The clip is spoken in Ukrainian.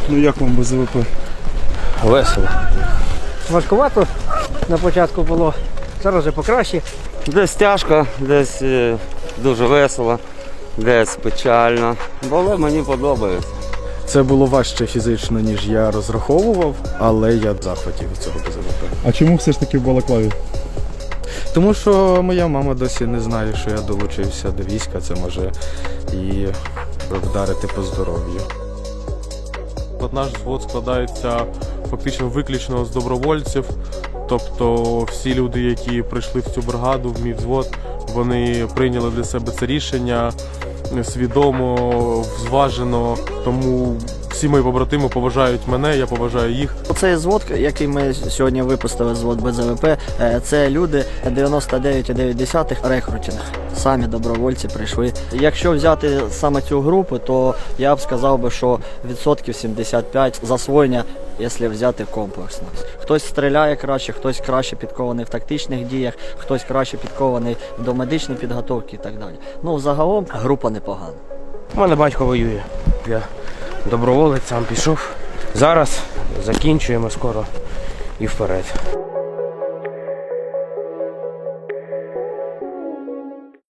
Ну як вам без ЗВП? Весело. Важкувато на початку було, зараз вже покраще. Десь тяжко, десь дуже весело, десь печально. Але мені подобається. Це було важче фізично, ніж я розраховував, але я в захваті від цього БЗВП. А чому все ж таки в Балаклаві? Тому що моя мама досі не знає, що я долучився до війська, це може і вдарити по здоров'ю. Наш взвод складається фактично виключно з добровольців, тобто всі люди, які прийшли в цю бригаду, в мій взвод, вони прийняли для себе це рішення свідомо, зважено, тому всі мої побратими поважають мене, я поважаю їх. Цей звод, який ми сьогодні випустили, звод БЗВП, це люди 99,9 рекрутинг. Самі добровольці прийшли. Якщо взяти саме цю групу, то я б сказав би, що відсотків 75 засвоєння, якщо взяти комплексно. Хтось стріляє краще, хтось краще підкований в тактичних діях, хтось краще підкований до медичної підготовки і так далі. Ну, загалом група непогана. У мене батько воює. Я доброволець, сам пішов. Зараз закінчуємо скоро і вперед.